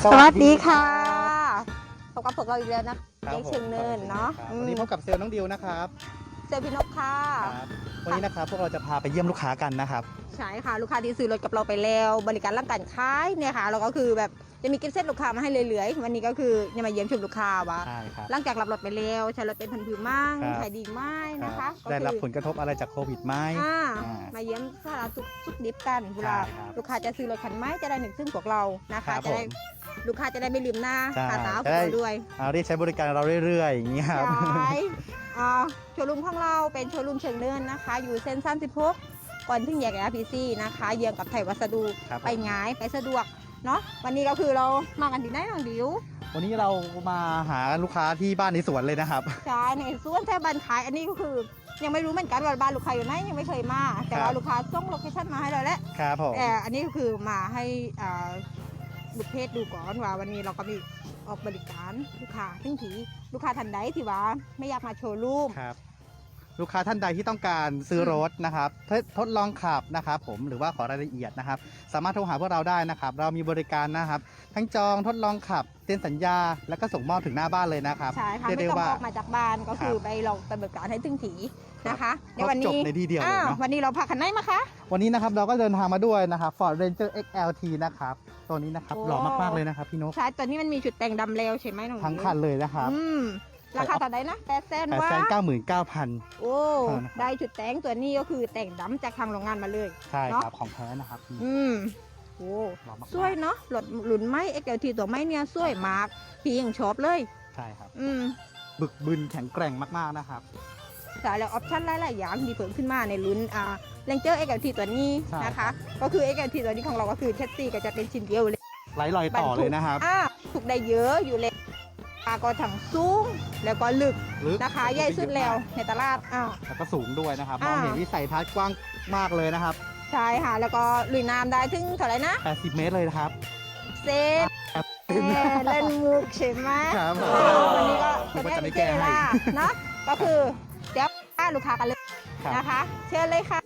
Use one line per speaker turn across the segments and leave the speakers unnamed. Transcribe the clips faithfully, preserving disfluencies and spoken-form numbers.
สวัสดีค่ะพบกับพวกเราอีกแล้วนะเด็กเชียงเนินเนาะ
วันนี้พบกับเซลล์น้องดิวนะครับ
เซลล์พี่นกค่ะ
วันนี้นะครับพวกเราจะพาไปเยี่ยมลูกค้ากันนะครับ
ใช่ค่ะลูกค้าที่ซื้อรถกับเราไปแล้วบริการร่างการขายเนี่ยค่ะเราก็คือแบบจะมีกิฟต์เซตลูกค้ามาให้เรื่อยๆวันนี้ก็คือจะมาเยี่ยมชมลูกค้าวะหลังจากรับรถไปแล้วใช้รถเป็นพันผือมั่งขายดีไหมนะคะ
ได้รับผลกระทบอะไรจากโควิดไหม
มาเยี่ยมสาระทุกทุกดิฟกันเวลาลูกค้าจะซื้อรถคันไหมจะได้หนึ่งซึ่งพวกเรานะคะจะได้ลูกค้าจะได้ไม่ลืมหน้าตาตาพวกเราด้วย
เรียกใช้บริการเราเรื่อยๆอย่างนี้ครับ
ใช่โชว์รูมของเราเป็นโชว์รูมเชิงเนินนะคะอยู่เส้นสามสิบหกก่อนถึงแยก อาร์ พี ซี นะคะเยื้องกับไทยวัสดุไปง่ายไปสะดวกเนาะวันนี้ก็คือเรามากันที่ไหนน้องดิว
วันนี้เรามาหาลูกค้าที่บ้านในสวนเลยนะครับ
ใช่ในสวนแท้บ้านขายอันนี้ก็คือยังไม่รู้เหมือนกันว่าบ้านลูกค้าอยู่ไหนยังไม่เคยมาแต่ว่าลูกค้าส่งโลเคชั่นมาให้เราแล้ว
ครับผม
แต่อันนี้ก็คือมาให้ลูกเพจดูก่อนว่าวันนี้เราก็มีออกบริการลูกค้าทั้งทีลูกค้าทันใดที่ว่าไม่อยากมาโชว์รูม
ลูกค้าท่านใดที่ต้องการซื้อรถนะครับทดลองขับนะครับผมหรือว่าขอรายละเอียดนะครับสามารถโทรหาพวกเราได้นะครับเรามีบริการนะครับทั้งจองทดลองขับเซ็นสัญญาแล้วก็ส่งมอบถึงหน้าบ้านเลยนะครับ
ใช่ค่ะไม่ต้องออกมาจากบ้านก็คือไปลองไปบริการให้ถึงทีนะคะ
ในวันนี้จบในที่เดียวเลยเนาะ
วันนี้เราพาคันไหนมาคะ
วันนี้นะครับเราก็เดินทางมาด้วยนะครับ Ford Ranger เอ็กซ์ แอล ที นะครับตัวนี้นะครับหล่อมากๆเลยนะครับพี่นก
ใช่ตัวนี้มันมีจุดแต่งดำแล้วใช่ไหมน้อง
ทั้งคันเลยนะครับ
ราคาเท่าไหร่นะแปดแสนว่า
แปดแสนเก้าหมื่นเก้าพัน
โอ้ได้จุดแต่งตัวนี้ก็คือแต่งดำจากทางโรงงานมาเลย
ใช่ครับของแท้นะครับ
อืมโอ้สวยเนาะรถหลุนไม้ เอ็กซ์ แอล ที ตัวไม้เนี่ยสวยมากพี่ยังชอบเลย
ใช่ครับ
อืม
บึกบึนแข็งแกร่งมากๆนะครับ
ใช่แล้วออปชั่นหลายๆอย่างดีเพิ่มขึ้นมาในรุ่นอ่า Ranger เอ็กซ์ แอล ที ตัวนี้นะคะก็คือ เอ็กซ์ แอล ที ตัวนี้ของเราก็คือแคสซี่ก็จะเป็นชิ้นเดียวเลย
ไร้รอยต่อเลยนะครับ
อ่าถูกได้เยอะอยู่เลยก็ถังสูงแล้วก็ลึกนะคะใหญ่สุดแล้วในตลาดอ้าว
แล้วก็สูงด้วยนะครับมองเห็นวิสัยทัศน์กว้างมากเลยนะครับ
ใช่ค่ะแล้วก็ลุยน้ำได้ถึงเท่าไหร่นะ
แปดสิบเมตรเลยนะครับ
เซนเล่นมุกใช่ไหม
ครับ
วันนี้ก็จะไม่แก้ให้เนาะก็คือเดี๋ยวลูกค้ากันเลยนะคะเชิญเลยค่ะ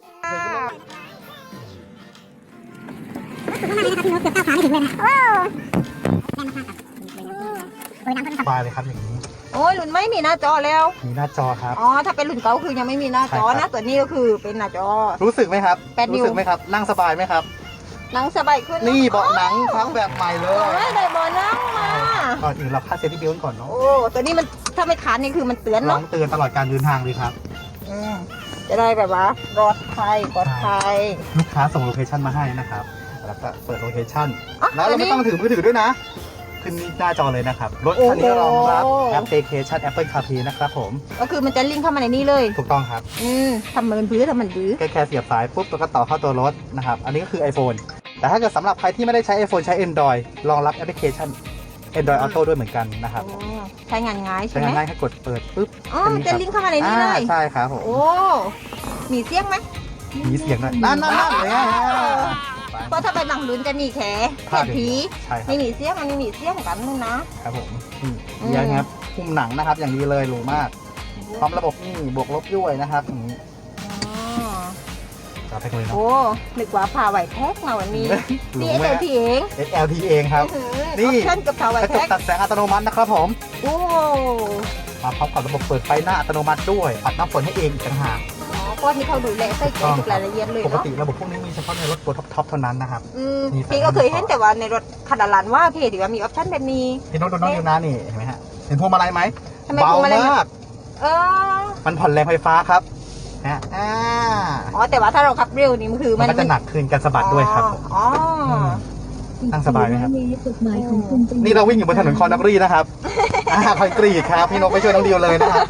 บายเลยครับอย่างนี้
โอ้ยรุ่นไม่มีหน้าจอแล้ว
มีหน้าจอครับ
อ๋อถ้าเป็นรุ่นเก่าคือยังไม่มีหน้าจอนะตัวนี้ก็คือเป็นหน้าจอ
รู้สึกไหมครับรู้สึกไหมครับนั่งสบายไหมครับ
นั่งสบายขึ้น
นี่เบาะหนังทั้งแบบใหม่เลย
ได้เบาะนั่งมา
ก่อนอื่นเราค่าเซฟตี้เบลต์ก่อนเนาะ
โอ้ตัวนี้มันถ้าไม่ขาดนี่คือมันเตือนเนาะ
เตือนตลอดการเดินทางเลยครับ
อืมจะได้แบบว่าปลอดภัยปลอดภัย
ลูกค้าส่งโลเคชั่นมาให้นะครับแล้วก็เปิดโลเคชั่นแล้วเราไม่ต้องถือมือถือด้วยนะขึ้นหน้าจอเลยนะครับรถคันนี้รองรับแอปพลิเคชัน Apple CarPlay นะครับผม
ก็คือมันจะลิงก์เข้ามาในนี้เลย
ถูกต้องครับ
อืมทำมันพื้นทำมันพื้น
แค่แค่เสียบสายปุ๊บแล้วก็ต่อเข้าตัวรถนะครับอันนี้ก็คือ iPhone แต่ถ้าเกิดสำหรับใครที่ไม่ได้ใช้ iPhone ใช้ Android รองรับแอปพลิเคชัน Android Auto ด้วยเหมือนกันนะครับ
ใช้งานง่ายใช่ไหม
ใช้งานง่ายแค่กดเปิดปุ๊บ
อ๋อจะลิงก์เข้ามาในนี้เลย
ใช่ครับผม
โอ้มีเสียงไหม
มีเสียงด้วยนั่นนั่นนั่นเลย
เพราะถ้าไปบางลุ้นจะมีแขกแขกผีไม่มีเสี้ยงมันไม่มีเสี้ยงกันนึงนะครับ
ผมนี่ยังครับคุ้มหนังนะครับอย่างดีเลยหรูมากพร้อมระบบนี่บวกลบด้วยนะครับอย่างนี้จับไปเลยเนาะ
โอ้นึกว่าพาไหวแท็กมาวันนี้นี่ เอ็กซ์ แอล ที เอง
เอ็กซ์ แอล ที เองครับ
นี่ออปชั่นกับพาไหวแท็ก
ตัดแสงอัตโนมัตินะครับผม
โอ้
มาพร้อมกับระบบเปิดไฟหน้าอัตโนมัติด้วยปัดน้ำฝนให้เองต่างหาก
ก็ที่เขาดูแลใส่ใจทุกรายละเอียดเลยเนาะ
ปกติระบบพวกนี้มีเฉพาะในรถตัวท็อปๆเท่านั้นนะครับ
พี่ก็เคยเห็นแต่ว่าในรถคันละล้านว่าเพจถือว่ามีออปชั่นแบบนี้
พี่น้องดูน้องดูนะนี่เห็นไหมฮะเห็นพวงมาลัยไหมเบามาก
เออ
มันผ่อนแรงไฟฟ้าครับฮะอ่า
อ๋อแต่ว่าถ้าเราขับเร็วนี่มันคือ
มันก็จะหนักขึ้นการสะบัดด้วยครับ
อ๋อ
นั่งสบายไหมครับนี่เราวิ่งอยู่บนถนนคอนดักรีนะครับอ่าคอนกรีตครับพี่นกไม่ช่วยน้องดิวเลยนะครับ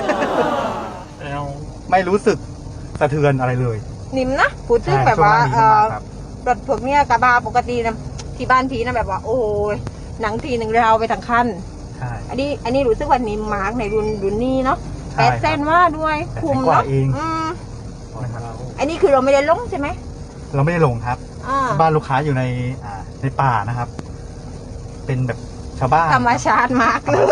ไม่รู้สึกสะเทือนอะไรเลย
นิ่มนะพูดถึงแบบว่ารถพวกเนี้ยกระบะปกตินะที่บ้านพีนะแบบว่าโอ้ยหนังทีหนึ่งเราไปทั้งคัน
ใช่
อันนี้อันนี้รู้สึกว่านิ่มมากในรุ่นรุ่นนี้เนาะแปดเส้นว่าด้วยคุมเนาะอันนี้คือเราไม่ได้ลงใช่ไหม
เราไม่ได้ลงครับบ้านลูกค้าอยู่ในในป่านะครับเป็นแบบชาวบ้าน
ธรรมชาติมากเลย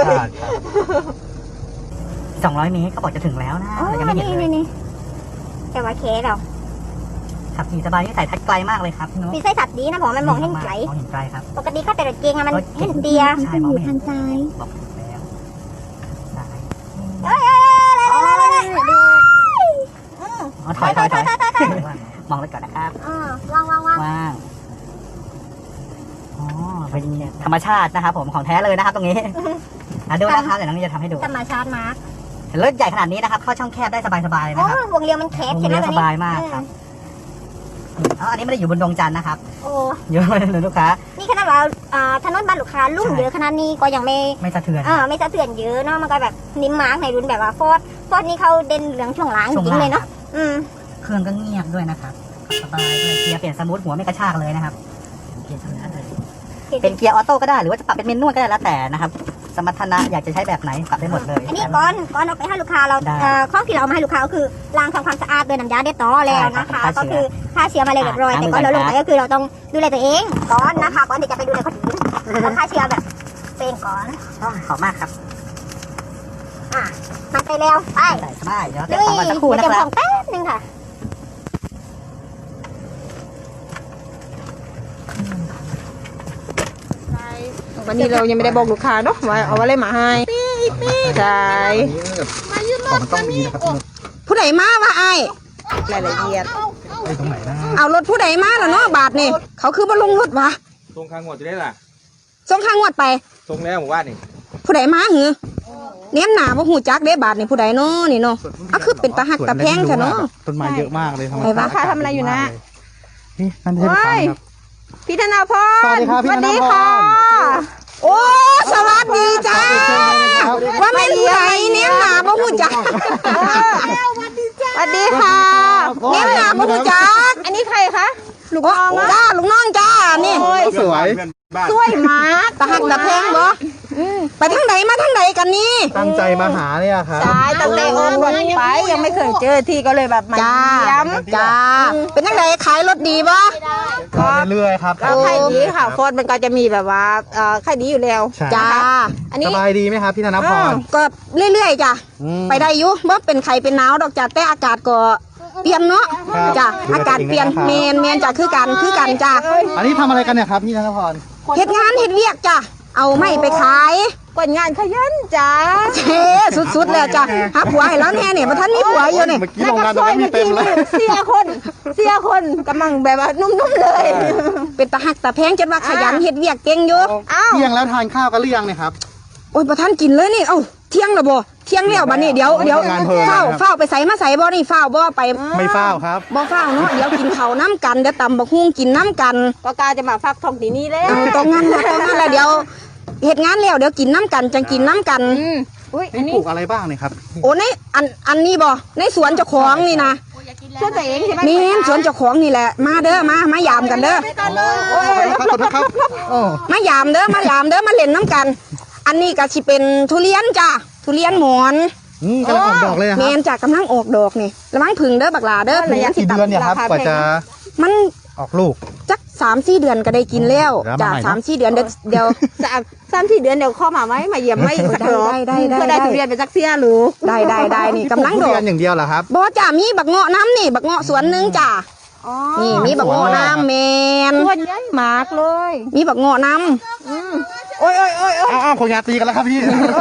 สองร้อยเมตรก็บอกจะถึงแล้วนะเรายังไม่เห็นเลย
แต่ว่าเคสเรา
ขับขี่สบายนี่ใส่ทัดไกลมากเลยครับพี่นุ๊ก
มีไส้สัตว์ดีนะผมมันมองเห็นไกล
มองเห็นไกลครับ
ปกติข้าแต่รถเก่งอะมันเห็นเตีย
ใช่มองไม่เห็น
ทางซ้าย
บอกถูกแล้วซ้าย
เอ้ยเอ้ยเอ้ยเอ้ยเอ้ยเอ้ย
อ๋อถอยถอยถอยมองเลยก่อนนะครับ
เออวางวางวาง
ว่างอ๋อเป็นธรรมชาตินะครับผมของแท้เลยนะครับตรงนี้อ่ะดูนะครับเดี๋ยวน้องนี่จะทำให้ดู
ธรรมชาติมาร์ก
เห็นรถใหญ่ขนาดนี้นะครับเข้าช่องแคบได้สบายๆเลย
โอ้
นะครับ
วงเรียวมันแคบ
วง
ใช่ไหม
เลี้ยว
ตัว
ส
นี้
บายมากครับอ๋ออันนี้ไม่ได้อยู่บนดงจันทร์นะครับ
โอ้
อยู่บนลูกค้า
นี่ขนาดว่าอ่าถนนบ้านลูกค้าลุ่มเยอะขนาดนี้ก็ยังไม่
ไม่สะเทือน
เออไม่สะเทือนเยอะเนาะมันก็แบบนิ่มมาร์กในรุ่นแบบว่าฟอร์ดฟอร์ดนี่เขาเด่นเรื่องช่วงหลังจริงเลยเนาะอืม
เครื่องก็เงียบด้วยนะครับสบายด้วยเกียร์เปลี่ยนสมูทหัวไม่กระชากเลยนะครับเกียร์สมูทเลยเป็นเกียร์ออโต้ก็ได้หรือว่าจะปรับเป็นเมนนวลก็ได้แล้วแต่นะครับสมรรถนะอยากจะใช้แบบไหนปรับได้หมดเลย
อันนี้ก่อนก่อนเอาไปให้ลูกค้าเรา
ได้
เอ่อของที่เราเอามาให้ลูกค้าก็คือล้างทำความสะอาดด้วยน้ำยาเด็ดต่อแล้วนะคะ
ใช่ครับ
ก็คือฆ่าเชื้อมาเลยเรียบร้อย
อ่า
แต่ก่อนเราลงไป
ล้างมือ
ก็คือเราต้องดูแลตัวเองก่อนนะคะก่อนที่จะไปดูแลคนอื่นเราฆ่าเชื้อแบบเป็นก่อน
อ๋อขอบมากครับ
อ่ะมันไปแล้วไป
ใส่สบายเดี๋ยว
ลุ
เก็บ
ย
ของมาสักครู่
เดี๋ยว
นะ
เก็บ
ค
ข
รั
อบ งแป๊บนึงค่ะ
วันนี้เรายังไม่ได้บอกลูกค้าเนาะว่าเอาอะไรมาให้ใช่
ของมันต้องมีนะครับ
ผู้ใดมาว่าไอ้รายละเอียด
ไอ้ตรงไหนนะ
เอารถผู้ใดมาแล้วเนาะบาทนี่เขาคือบ่ลงรถวะ
ทรงข้างงวดจะได้ล่ะ
ส่งข้างงวดไป
ทรงแล้วหมู่บ้านนี่
ผู้ใดมาหือเนี้ยหนาบ่หูจักเด้บาทนี่ผู้ใดเนาะนี่เนาะก็คือเป็นตาหักตาแพงซะเนาะ
ต้นไม้เยอะมากเลย
ไอ้วะค่ะทำอะไรอยู่นะ
นี่นั่นใช่ไหมครับ
พี่ธนาพร
สวัสดีครับพี่ธนาพร
สวัสดีค่ะโอ้สวัสดีจ้าว่าไม่รู้ไหนเนี้ยหนาบ่หูจักสวัสดีค่ะเนี้ยหนาบ่หูจักอันนี้ใครคะลูกน้องจ้าลูกน้องจ้านี่
สวย
สวยมากตาหักตาแพงบ่ไปทางไหนมาทางไหนกันนี่
ตั้งใจมาหาเนี่ยครับ
ใช่ตั้งแต่โอนก่อนไปยังไม่เคยเจอที่ก็เลยแบบมา
จ้า
เยี่ยมจ้าเป็นทางไหนขายรถดีบ่
ก็เรื่อยๆครับ
ก็ขายดีค่ะโฟนมันก็จะมีแบบว่าเอ่อขายดีอยู่แล้ว
ใช่
จ้าอัน
ส
นี้
บายดีไหมครับพี่ธนพร
ก็เรื่อยๆจ้ะ
อืม
ไปได้อยู่เมื่อเป็นไข่เป็นหนาวดอกจ้ะแต่อากาศก็เปลี่ยนเนาะ
ครับ
จ้ะ
ดูแล
อากาศเปลี่ยน
ตัว
เม
เองนะครับ
นเมนจ้ะคือกันคือกันจ้ะ
อันนี้ทำอะไรกันเนี่ยครับพี่ธนพร
เฮ็ดงานเฮ็ดเวียกจ้ะเอาไม่ไปขายกดงานขยันจ้ะเท่สุดๆแล้วจ้ะหาผัวให้แล้วแน่เนี่ยบ่ทันมีผัวอยู่นี่
เมื่อกี้โรงงานตรงนี้มีเต็มเลย
เสียคนเสียคนกำลังแบบว่านุ่มๆเลย เป็นตาหักตาแพงจนว่าขยันเฮ็ดเวียกเก่งอยู่อ้าว
เที่ยงแล้วทานข้าวกันหรือยังเนี่ยครับ
โอ้ยบ่ทันกินเลยนี่เอ้าเที่ยงแล้วบ่เที่ยงแล้วบัดนี้เดี๋ยวเดี๋ยว
ทำงานเพลิน
เฝ้า
นะครับ
เฝ้าไปใส่มาใส่บ่นี่เฝ้าบ่ไป
ไม่เฝ้าครับ
บ่เฝ้าเนาะเดี๋ยวกินข้าวน้ำกันเดี๋ยวตำบักฮุ่งกินน้ำกันก็กาจะมาฟักทองที่นี่แล้วตรงนั้นนะตรงนั้นแหละเดี๋ยวเฮ็ดงานแล้วเดี๋ยวกินน้ำกันจังกินน้ำกันอุ้ยอัน
นี่
นี้
ปลูกอะไรบ้างเนี่ยครับ
โอ้ในอันอันนี้บ่ในสวนเจ้าของนี่นะสวนตัวเองใช่ไหมแม่นสวนเจ้าของนี่แหละมาเด้อมามายามกันเด้อโอ้ย
ขอบคุณครับโอ้
มายามเด้อมายามเด้อมาเล่นน้ำกัน อันนี้ก็สิเป็นทุเรียนจ้ะทุเรียนหมอน
อืมกำลังออกดอกเลยนะค
แม
รับ
นจากกำลังออกดอกนี่ระวังผึ่งเด้อบักหลาเด้อ
ระยะกี่เดือนเนี่ยครับกว่าจะ
มัน
ออกลูก
จักสามสี่เดือนก็ได้กินแล้ว
แล้ว
จ้ะ
มาใหม่นะ
สามสี่เดือนเดี๋ยวเดี๋ยวสามสามสี่เดือนเดี๋ยวเข้ามาไหมมาเยี่ยมไหมอีกสักรอบ
ได้
ได้ได้ได้ทุเรียนไปสักเสียหรือได้ได้ได้นี่กำลัง
ป
ด
ลู
อก
ทุเรียนอย่างเดียวเหรอครับ
บอจ้ะมีบักเงาะน้ำนี่บักเงาะสวนหนึงจ้ะนี่มีบักเงาะน้ำแมน
ส่วนใหญ่มากเลย
มีบักเงาะน้ำโอ้ยโอ้ยโอ้ยโอ้ย
อ้าวคนงานตีกันแล้วครับพี่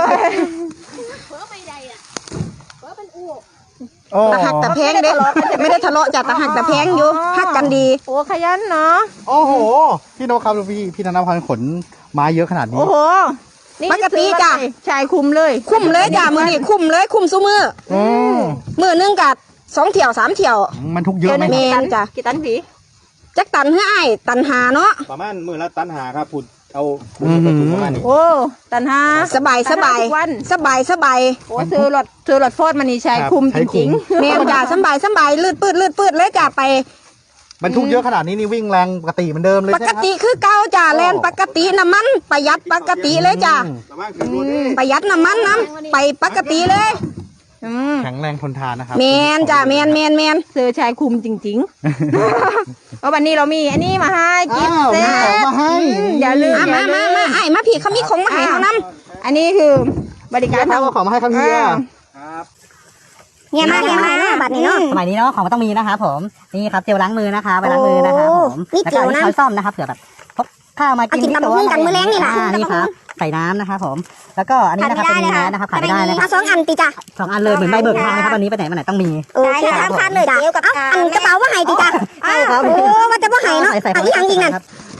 โอ้
ตะหักตะแพงเด้ไม่ได้ทะเลาะจ้ะตะหักตะแพงอยู่หักกันดี
โอ้ขยันเนาะ
โอ้โห พี่โนครับดูพี่พี่ธนพรขนไม้เยอะขนาดนี้
โอ้โหนี่
ปกติจ้ะ
ชายคุมเลย
คุ้มเลยจ้ะมือนี่คุ้มเลยคุ้มซุมือ
อืม
มือหนึงกัดสองเที่ยวสามเที่ยว
มันทุกเยอะไหม
เม
ครับ
นจ้ะ
กี่ตันผี
จักตันให้อ้ายตันหาเนาะ
ประมาณมือละตันหาครับพูดเอาพูดไปถึงประมาณนี้
โอ้ตันห้า
สบายสบาย
ทุกวัน
สบายสบาย
โอ้ซื้อรถซื้อรถโฟร์ดมันนี่ชายคุมจริง
เมนจ้ะสบายสบายลืดปืดลืดปืดเลยจ้ะไป
มันทุกเยอะขนาดนี้นี่วิ่งแรงปกติเหมือนเดิมเลย
ป
ใช่ไหม
ก
ครับ
ติคือเก่าจ้ะแลนปกติน้ำมันประหยัดปกติเลยจ้ะ
อืม
ประมาณคือรถ
ประหยัดน้ำมันน้ำไปปกติเลยอืม
แข็งแรงทนทานนะครับ
เมนจ้ะเมนเมนเมน
ๆซื้อชายคุมจริงๆ เพราะวันนี้เรามีอันนี้มาให้กิฟ
อ้าว
ต์เซ
มีของ
ต
มาให้
อย่าลืม
อ่ะมามามาไอ้มาพี่เขามีของมาให้เขาน
อันนี้คือบริ
พี่
การ
ครับเอาของมาให้ครับพี่
อ่า
ครับ
เนี่ยมากเนี่ยมากเนาะบัตรนี้เนาะ
สมัยนี้เนาะของมันต้องมีนะครับผมนี่ครับเจลล้างมือนะคะไปล้างมือนะครับผม
โอ้นี่
แล้ว
เจ
ก็
ล
อัน
นะ
นี้ช้อนซ่อมนะครับเผื่อแบบพกข้าวมากิน
เอากินตำบักหุ่งกันมื้อแลงนี่นะ
อ่านี่ครับใส่น้ำนะครับผมแล้วก็อันนี้นะครับเป็นแมสนะครับขาดไม่ได้นะค
เอา
รับ
สองอันติจ้ะ
สองอันเลยเหมือนใบเบิกทางนะครับวันนี้ไปไหนมาไหนต้องมี
โอเคครับพานเลยจ้ะเอาอันกระเป๋าว่าไห้ติจ้ะ
ใช่ครับ
โอ้ว่าจะว่าไห้เนาะ
ใส่ใส่
อันนี้ยังยิงนั่น
ครับ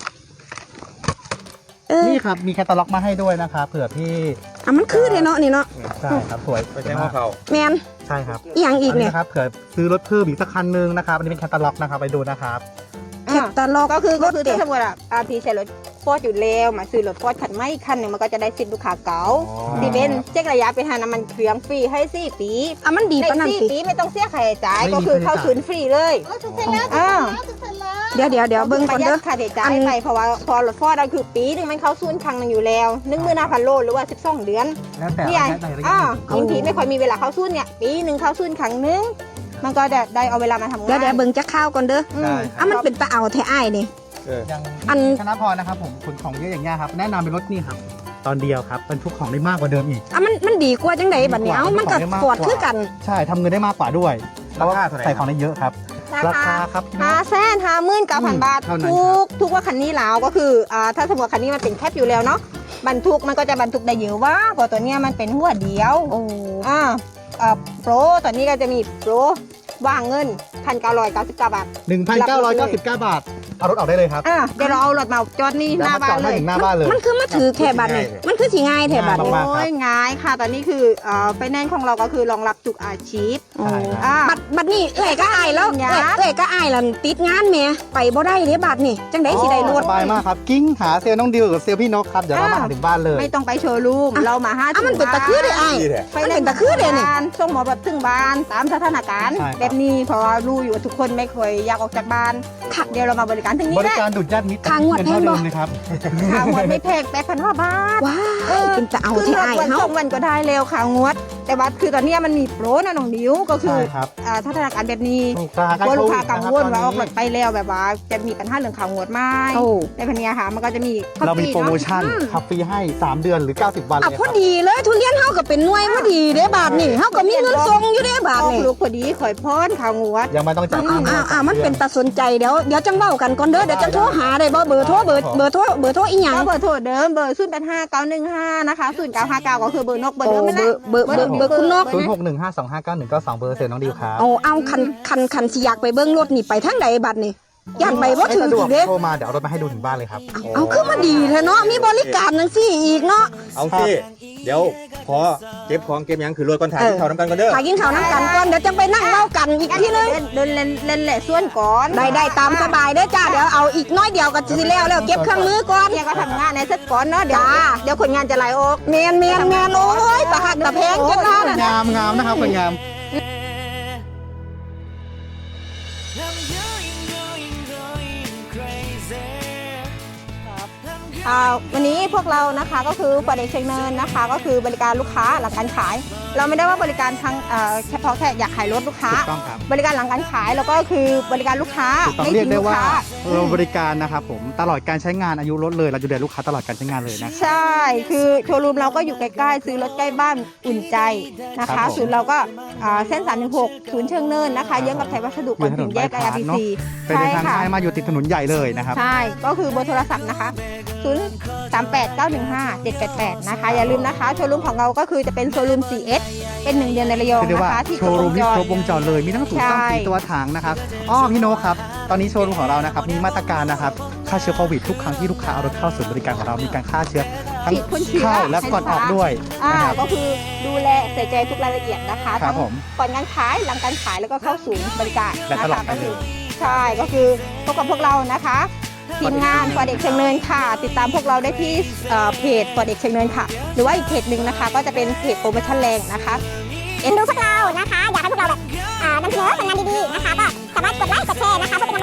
เออ
นี่ครับมีแคตตาล็อกมาให้ด้วยนะครับเผื่อพี่
อ่ะมันคือเลยเนาะนี่เนาะ
ใช่ครับสวย
ไปใช้ข้อเข่า
แมน
ใช่ครับ
อีหยังอีกเนี่ย
นะครับเผื่อซื้อรถเพิ่มอีกสักคันนึงนะครับอันนี้เป็นแคตตาล็อกนะครับไปดูนะครับ
แคตตาล็อกก็คือก็คือถ้าสมมติอ่ะอาพีใช้รถฟอร์ดอยู่แล้วมาซื้อรถฟอร์ดคันใหม่อีกคันหนึ่งมันก็จะได้สิทธิ์ลูกค้าเก่า
อ๋อ
ที่เป็นเช็คระยะไปหาน้ำมันเครื่องฟรีให้สี่ปี
อ่ะมันดี
ใน
ปะนั่น
สี่
สิ
ปีไม่ต้องเสียค่าใช้จ่าย
ไม่มี
ก็คือเข้า
ค่าใช้จ่าย
ศูนย์ฟรีเลยอ่า
เดี๋ยวเดี๋ยวเดี๋ยวเบิ่ง
ป
ก่อน
ระหยั
เด้
ด
อ
ค่าใช้จ่ายไปเพราะว่าพอรถฟอร์ดเราคือปีหนึงมันเข้าศูนย์ครั้งหนึงอยู่แล้วหนึ่งหมื่นห้าพันโลหรือว่าสิบสองเดือน
แล้วแต่
นี่ไง
ว่าใช้รายละเอียด
อ่ายิงทีไม่ค่อยมีเวลาเข้าศูนย์เนี่ยปีหนึ่งเข้าศูนย์ครั้งหนึงมันก็จะได้เอาเวลามาทำงาน
เดี๋ยวเดี๋ยวเบิ่งจะข้าวก่อนเด้อ
อืม
ได้ค
อ่ะ
รับ
มันเป็นตะเอาแท้อ้ายนี่
เออ
ยัง
อัน
ชนะพรนะครับผมขนของเยอะอย่างเงี้ยครับแนะนำเป็นรถนี่ครับตอนเดียวครับบรรทุกของได้มากกว่าเดิมอีก
อ่ะมันมันดีกว่าจังไดบัดนี้เอ้ามันก็ฟอร์ดคือกัน
ใช่ทำเงินได้มากกว่าด้วยเพราะว่า
ราคาเท่าไหร่
ใส่ของได้เยอะครับ
รา
รา
คา
คาครับพี่น้
ห้า
อง
แสนห้าหมื่นเก้าพันบาท
เท่านั้น
ทุ
ครับ
กทุกว่าคันนี้แล้วก็คืออ่าถ้าสมมติว่าคันนี้มันเป็นแคปอยู่แล้วเนาะบรรทุกมันก็จะบรรทุกได้เยอะว่าเพราะตัวเนี้ยมันเป็นหัวเดียว
โอ้
อ่าอ่าโปรตัวนี้ก็จะมีโปรว่างเงินพันเก้าร้อยเก้าสิบเก้าบาท
หนึ่งพันเก้าร้อยเก้าสิบเก้าบาทเอารถออกได้เลยครับ
อ่าเดี๋ยวเราเอารถมาจอดนี่หน้าบ้านเลย
ถึงหน้าบ้านเลย
มันคือมาถือแค่บัดนี่มันคือสิง่ายแท้บัดนี่
มากๆ
โอ้ยง่ายค่ะ ตอนนี้คือเอ่อไฟแนนซ์ของเราก็คือรองรับทุกอาชีพ
โอ้
ใช่ครับ
อ่า
บัดบัดนี้เอ้ยก็อายแล้ว
ยา
เอ้ยเอ้ยก็อายแล้วติดงานแหม่ไปบ่ได้เด้บัดนี่จังได๋สิได้รถ
สบายมากครับกิ้งหาเซลล์น้องดิวกับเซลล์พี่นกครับเดี๋ยวเรามาหาถึงบ้านเลย
ไม่ต้องไปโชว์รูม
อ่ะ
เรามาหา
อ่ะมันเป็นตะคือเด้อ้าย
ดีแท้
ไฟแนนซ์
มันเป็นตะคือเด้นี่
ส่งหมอแบบถึงบ้านตามสถานการณ์
ใช่ครับ
แบบนี้เพราะว่ารู้อยู่ว่าทุกคนไม่เคยอยากออกจากบ้าน
ค่ะ
เดี๋ยวเรามาบริการถึง
บ
นี้
ริ
ได้
การดุดญาติมิตร
ค่างวด
เงินเท่า
แพงบ่
เดิมเลยครับ
ค่างวดไม่แพงแปดพันห้าบาท
ว้ายเป็นตะเอา
คือ
แท้
รถ
อ้าย
วัน
เฮา
สองวันก็ได้เร็วค่างวด แต่ว่าคือตอนเนี้ยมันมีโปรนะน้องดิวก็คือ
ใช่ครับ
อ่าสถานการณ์แบบนี้
ถูกราคาก
ลัวลูกค้า
โค
กัง
วิด
วล
นะ
ว่า
ค
อ
รั
อบ กรถไปแล้วแบบว่าจะมีปัญหาเรื่องข่าวงวดไหม
โอ้
ในพันนี้ค่ะมันก็จะมี
เรามีโปรโมชั่น
อืม
ขับฟรีให้สามเดือนหรือเก้าสิบวันเล
อ่ะ
ย
พ
ค
อ
รับ
ดีเลยทุเรียนเฮาก็เป็นหน่วยพอดีเด้บาทนี่เฮาก็มีเงินส่งอยู่เด้บาท
ออก
นี่
ลูกพอดีข่อยพ้นข่าวงวด
ยังไม่ต้องจ่าย
อ้าวอ้าวอ้าวมันเป็นตาสนใจเดี๋ยวเดี๋ยวจังเว้ากันก่อนเด้อเดี๋ยวจังโทรหาได้บ่เบอร์โทรเบอร์เบอร์โทรเบอร์โทรอีหยัง
ก็เบอร์โทรเดิมเบอร์ศูนย์แปดห้าเก้าหนึ่งห้านะคะศูนย์เก้าห้าเก้าก็คือเบอร์นกเบอร์
โอ้
เดิมนั่นแหละ
เบอร์เบอร์เบอร์เบอร์คุณนก
ศูนย์หกหนึ่งห้าสองห้าเก้าหนึ่งเก้าสองเบอร์เซลล์น้องดิวครับ
เอาเอาคันคันคันสิอยากไปเบิ่งรถนี่ไปทางใดบัดนี่ย่านไปบ่ถึง
ไม่สะด
อี
วก
กเด้
โทรมาเดี๋ยวเอารถมาให้ดูถึงบ้านเลยครับ
เอาคือมาดีแท้เนาะมีบริการจังซี่อีกเนาะ
เอาสิเดี๋ยวพอเก็บของเก็บหยังคือรถก่อนถ่ายที่เขาน้ำกันกันเด้อ
พากินข้าวน้ำกันก่อนเดี๋ยวจังไปนั่งเว้ากันอีกทีนึง
เดินเดินเล่นเล่นแหละส่วนก่อน
ได้ได้ตามสบายเด้อจ้าเดี๋ยวเอาอีกน้อยเดียวก็สิแล้วแล้วเก็บเครื่องมือก่อน
เนี่ยก็ทำงานในเซ็ตก่อนเนาะเดี๋ยว
จ้า
เดี๋ยวคนงานจะไล่ออก
แมนแมนแมนโอ้ยตะหักตะแพงจังนั้น
งามงามนะครับคนงาม
อ่าวันนี้พวกเรานะคะก็คือฝ่ายเด็กเชียงเนินนะคะ ก็คือบริการลูกค้าหลังการขาย เราไม่ได้ว่าบริการทางเอ่อเฉพาะแค่อยากขายรถลูกค้า
ถูกต้องครับ
บริการหลังการขายแล้วก็คือบริการลูกค้า
ถูกต้อง
ไม่
เรียก
ทิ้ง
ได้
ลูก
ว่า
ค้า
เราบริการนะครับผมตลอดการใช้งานอายุรถเลยเราดูแลลูกค้าตลอดการใช้งานเลยนะ
ใช่ คือโชว์รูมเราก็อยู่ใกล้ๆ ซื้อรถใกล้บ้านอุ่นใจนะ
ครั
คะ
บผม
ศูนย์เราก็อ่าเส้นสามหนึ่งหกศูนย์เชิงเนินนะคะเยื้องกับไทยวัสดุก่อนถึงแยก ไอ อาร์ ที ซี
เป็น
ใช่
ทาง
ค่ะ
ซ้ายมาอยู่ติดถนนใหญ่เลยนะครับ
ใช่ ก็คือเบอร์โทรศัพท์นะคะศูนย์ สาม แปด เก้า หนึ่ง ห้า เจ็ด แปด แปด นะคะ อย่าลืมนะคะโชว์รูมของเราก็คือจะเป็นโชว์รูม ซี เอส เป็นหนึ่งเดือนในระยอง
คือเรียก
นะ
ว่า
คะที่
โชว์รูมที่ครบวงจรเลยมีทั้งสูตรตั้ง
ใช่
สีตัวถังนะครับอ้อพี่โนครับตอนนี้โชว์รูมของเรานะครับมีมาตรการนะครับฆ่าเชื้อโควิดทุกครั้งที่ลูกค้าเอารถเข้าศูนย์บริการของเรามีการฆ่าเชื้อทั้ง
ฉีดพ่นเชื้อ
เข้าและก่อนออกด้วย
อ่า
นะครับ
ก็คือดูแลใส่ใจทุกรายละเอียดนะคะ
ครับ
ทั้ง
ผม
ก่อนการขายหลังการขายแล้วก็เข้าศูนย์บริการ
และ
นะ
ตลอ
คะ
ดไป
ก็
เล
คือย ใช่ก็คือพบกับพวกเรานะคะทีมงานฟอร์เด็กเชียงเนินค่ะ ติดตามพวกเราได้ที่เอ่อเพจฟอร์เด็กเชียงเนินค่ะ หรือว่าอีกเพจหนึ่งนะคะ ก็จะเป็นเพจโปรโมชั่นแรงนะคะ
เอ็นดูพวกเรานะคะ อยากให้พวกเราแบบอ่านำเสนอผลงานดีๆนะคะ ก็สามารถกดไลค์กดแชร์นะคะเพื่อเป็น